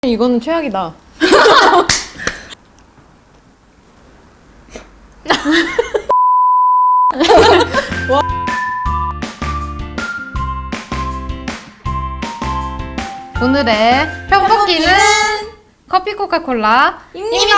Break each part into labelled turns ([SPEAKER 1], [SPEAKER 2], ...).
[SPEAKER 1] 이거는 최악이다. 오늘의 편뽑기는 커피 코카콜라입니다.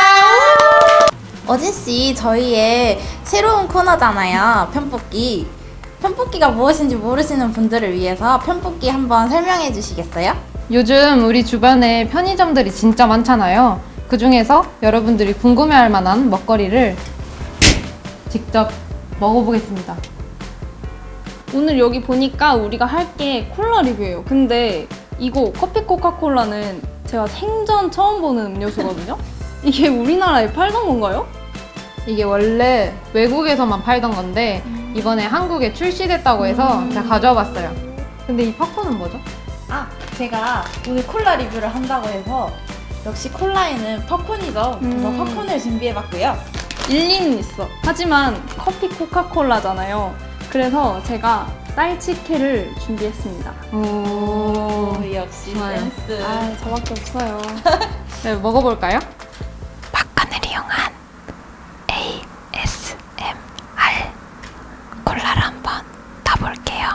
[SPEAKER 2] 어진씨, 저희의 새로운 코너잖아요. 편뽑기. 편뽑기가 무엇인지 모르시는 분들을 위해서 편뽑기 한번 설명해 주시겠어요?
[SPEAKER 1] 요즘 우리 주변에 편의점들이 진짜 많잖아요. 그 중에서 여러분들이 궁금해할 만한 먹거리를 직접 먹어보겠습니다.
[SPEAKER 3] 오늘 여기 보니까 우리가 할 게 콜라 리뷰예요. 근데 이거 커피 코카콜라는 제가 생전 처음 보는 음료수거든요? 이게 우리나라에 팔던 건가요?
[SPEAKER 1] 이게 원래 외국에서만 팔던 건데 이번에 한국에 출시됐다고 해서 제가 가져와 봤어요. 근데 이 팝콘은 뭐죠?
[SPEAKER 2] 제가 오늘 콜라 리뷰를 한다고 해서 역시 콜라에는 팝콘이죠. 그래서 팝콘을 준비해봤고요.
[SPEAKER 3] 일리는 있어. 하지만 커피 코카콜라잖아요. 그래서 제가 딸치케를 준비했습니다.
[SPEAKER 1] 오,
[SPEAKER 2] 역시
[SPEAKER 1] 좋아요.
[SPEAKER 2] 센스.
[SPEAKER 3] 아, 저밖에 없어요.
[SPEAKER 1] 네, 먹어볼까요?
[SPEAKER 2] 팝콘을 이용한 ASMR 콜라를 한번 타볼게요.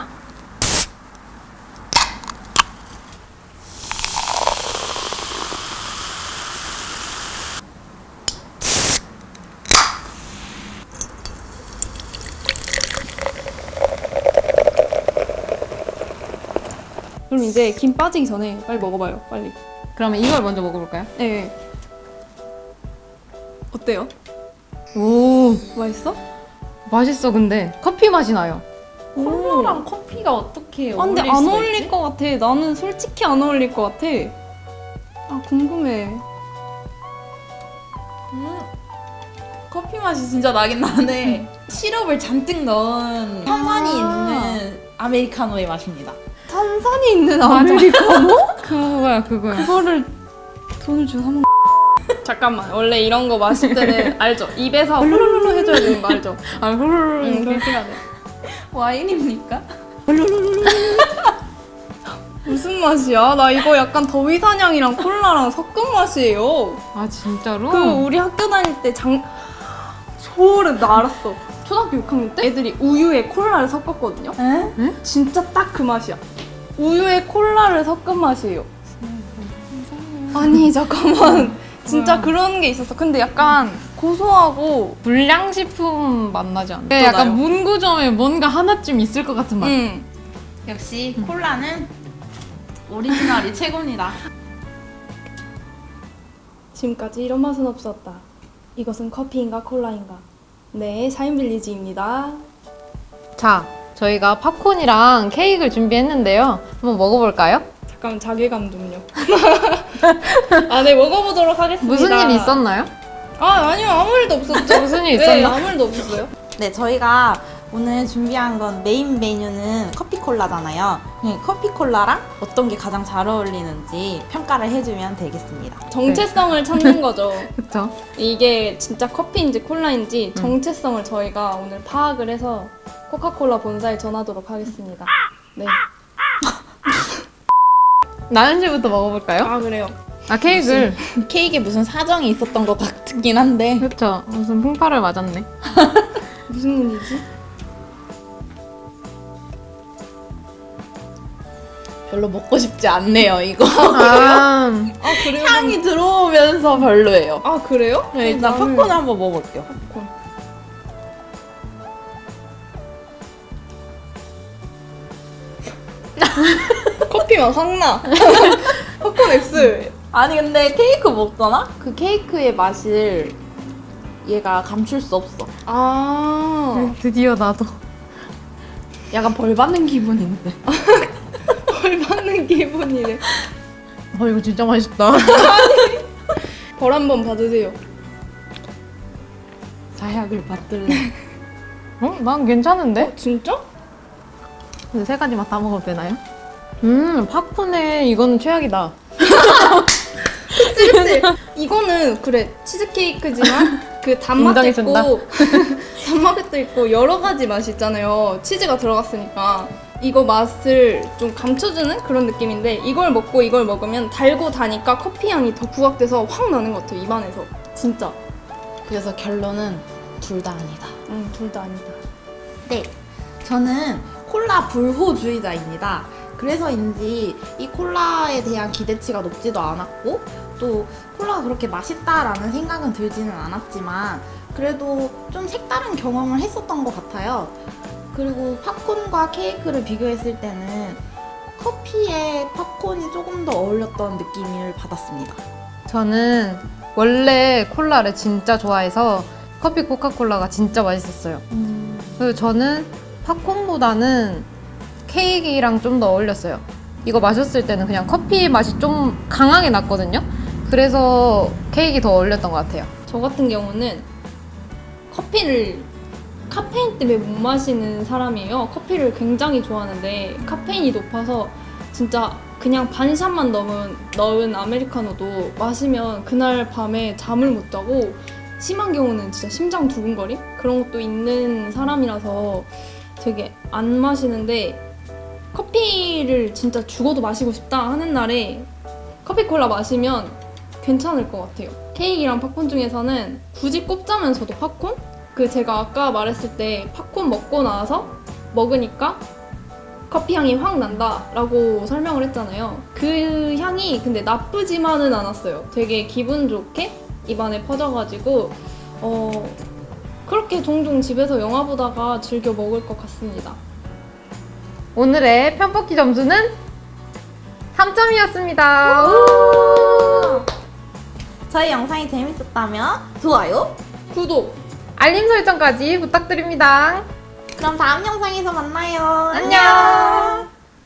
[SPEAKER 3] 그럼 이제 김 빠지기 전에 빨리 먹어봐요. 빨리.
[SPEAKER 1] 그러면 이걸 먼저 먹어볼까요?
[SPEAKER 3] 네. 어때요?
[SPEAKER 1] 오,
[SPEAKER 3] 맛있어?
[SPEAKER 1] 맛있어. 근데 커피 맛이 나요.
[SPEAKER 2] 콜라랑 커피가 어떻게
[SPEAKER 3] 아, 근데
[SPEAKER 2] 어울릴
[SPEAKER 3] 안
[SPEAKER 2] 수가
[SPEAKER 3] 어울릴
[SPEAKER 2] 있지?
[SPEAKER 3] 것 같아. 나는 솔직히 안 어울릴 것 같아. 아, 궁금해.
[SPEAKER 2] 커피 맛이 진짜 나긴 나네. 시럽을 잔뜩 넣은 탄산이 있는 아메리카노의 맛입니다.
[SPEAKER 3] 탄산이 있는 아메리카노?
[SPEAKER 1] 그거야, 그거야.
[SPEAKER 3] 그거를 돈을 주고 사먹. 잠깐만. 원래 이런 거 마실 때는 알죠? 입에서 훌루루루 해줘야 되는 거 알죠?
[SPEAKER 1] 아, 훌훌.
[SPEAKER 3] 응, 그렇게 해야 돼.
[SPEAKER 2] 와인입니까?
[SPEAKER 3] 무슨 맛이야? 나 이거 약간 더위사냥이랑 콜라랑 섞은 맛이에요.
[SPEAKER 1] 아, 진짜로?
[SPEAKER 3] 그 우리 학교 다닐 때 소름 나 알았어. 초등학교 6학년 때 애들이 우유에 콜라를 섞었거든요.
[SPEAKER 2] 에?
[SPEAKER 3] 진짜 딱 그 맛이야. 우유에 콜라를 섞은 맛이에요. 아니 잠깐만. 진짜
[SPEAKER 1] 뭐야?
[SPEAKER 3] 그런 게 있었어. 근데 약간 고소하고
[SPEAKER 1] 불량식품 맛 나지 않아?
[SPEAKER 3] 또
[SPEAKER 1] 약간
[SPEAKER 3] 나요.
[SPEAKER 1] 문구점에 뭔가 하나쯤 있을 것 같은 맛.
[SPEAKER 2] 역시 콜라는 오리지널이 최고입니다.
[SPEAKER 3] 지금까지 이런 맛은 없었다. 이것은 커피인가 콜라인가? 네, 샤인빌리지입니다.
[SPEAKER 1] 자, 저희가 팝콘이랑 케이크를 준비했는데요. 한번 먹어볼까요?
[SPEAKER 3] 잠깐 자괴감 좀요. 아, 네, 먹어보도록 하겠습니다.
[SPEAKER 1] 무슨 일 있었나요?
[SPEAKER 3] 아, 아니요, 아무 일도 없었죠.
[SPEAKER 1] 무슨 일
[SPEAKER 3] 네,
[SPEAKER 1] 있었나?
[SPEAKER 3] 아무 일도 없었어요.
[SPEAKER 2] 네, 저희가 오늘 준비한 건 메인 메뉴는 커피콜라잖아요. 커피콜라랑 어떤 게 가장 잘 어울리는지 평가를 해주면 되겠습니다.
[SPEAKER 3] 정체성을 찾는 거죠.
[SPEAKER 1] 그쵸?
[SPEAKER 3] 이게 진짜 커피인지 콜라인지 정체성을 저희가 오늘 파악을 해서 코카콜라 본사에 전하도록 하겠습니다. 네.
[SPEAKER 1] 나연 씨부터 먹어볼까요?
[SPEAKER 3] 아, 그래요.
[SPEAKER 1] 아, 케이크를.
[SPEAKER 2] 케이크에 무슨 사정이 있었던 것 같긴 한데
[SPEAKER 1] 그쵸. 무슨 풍파를 맞았네.
[SPEAKER 3] 무슨 일이지?
[SPEAKER 2] 별로 먹고 싶지 않네요, 이거.
[SPEAKER 1] 아,
[SPEAKER 3] 아, 그래요?
[SPEAKER 2] 향이 들어오면서 별로예요.
[SPEAKER 3] 아, 그래요?
[SPEAKER 2] 네, 일단
[SPEAKER 3] 나는-
[SPEAKER 2] 팝콘을 한번 먹어볼게요.
[SPEAKER 3] 팝콘. 커피 맛 확 나. 팝콘 X.
[SPEAKER 2] 아니 근데 케이크 먹잖아? 그 케이크의 맛을 얘가 감출 수 없어.
[SPEAKER 3] 아.
[SPEAKER 1] 드디어 나도.
[SPEAKER 2] 약간 벌 받는 기분인데.
[SPEAKER 3] 벌 받는 기분이래.
[SPEAKER 1] 이거 진짜 맛있다.
[SPEAKER 3] 벌 한번 받으세요.
[SPEAKER 2] 사약을 받들래.
[SPEAKER 1] 난 괜찮은데?
[SPEAKER 3] 진짜?
[SPEAKER 1] 근데 세 가지 맛 다 먹어도 되나요? 팝콘에 이거는 최악이다.
[SPEAKER 3] 그치? 이거는 그래 치즈케이크지만 그 단맛도
[SPEAKER 1] 인정해준다.
[SPEAKER 3] 있고 단맛도 있고 여러 가지 맛이 있잖아요. 치즈가 들어갔으니까. 이거 맛을 좀 감춰주는 그런 느낌인데 이걸 먹고 이걸 먹으면 달고 다니까 커피 향이 더 부각돼서 확 나는 것 같아요, 입안에서. 진짜.
[SPEAKER 2] 그래서 결론은 둘 다 아니다.
[SPEAKER 3] 둘 다 아니다.
[SPEAKER 2] 네, 저는 콜라 불호주의자입니다. 그래서인지 이 콜라에 대한 기대치가 높지도 않았고 또 콜라가 그렇게 맛있다라는 생각은 들지는 않았지만 그래도 좀 색다른 경험을 했었던 것 같아요. 그리고 팝콘과 케이크를 비교했을 때는 커피에 팝콘이 조금 더 어울렸던 느낌을 받았습니다.
[SPEAKER 1] 저는 원래 콜라를 진짜 좋아해서 커피 코카콜라가 진짜 맛있었어요. 그리고 저는 팝콘보다는 케이크랑 좀 더 어울렸어요. 이거 마셨을 때는 그냥 커피 맛이 좀 강하게 났거든요. 그래서 케이크 더 어울렸던 것 같아요.
[SPEAKER 3] 저 같은 경우는 커피를 카페인 때문에 못 마시는 사람이에요. 커피를 굉장히 좋아하는데 카페인이 높아서 진짜 그냥 반샷만 넣은 아메리카노도 마시면 그날 밤에 잠을 못 자고 심한 경우는 진짜 심장 두근거림? 그런 것도 있는 사람이라서 되게 안 마시는데 커피를 진짜 죽어도 마시고 싶다 하는 날에 커피콜라 마시면 괜찮을 것 같아요. 케이크랑 팝콘 중에서는 굳이 꼽자면 저도 팝콘? 제가 아까 말했을 때 팝콘 먹고 나서 먹으니까 커피 향이 확 난다 라고 설명을 했잖아요. 그 향이 근데 나쁘지만은 않았어요. 되게 기분 좋게 입안에 퍼져가지고 그렇게 종종 집에서 영화 보다가 즐겨 먹을 것 같습니다.
[SPEAKER 1] 오늘의 편뽑기 점수는 3점이었습니다.
[SPEAKER 2] 저희 영상이 재밌었다면 좋아요,
[SPEAKER 3] 구독!
[SPEAKER 1] 알림 설정까지 부탁드립니다.
[SPEAKER 2] 그럼 다음 영상에서 만나요.
[SPEAKER 1] 안녕.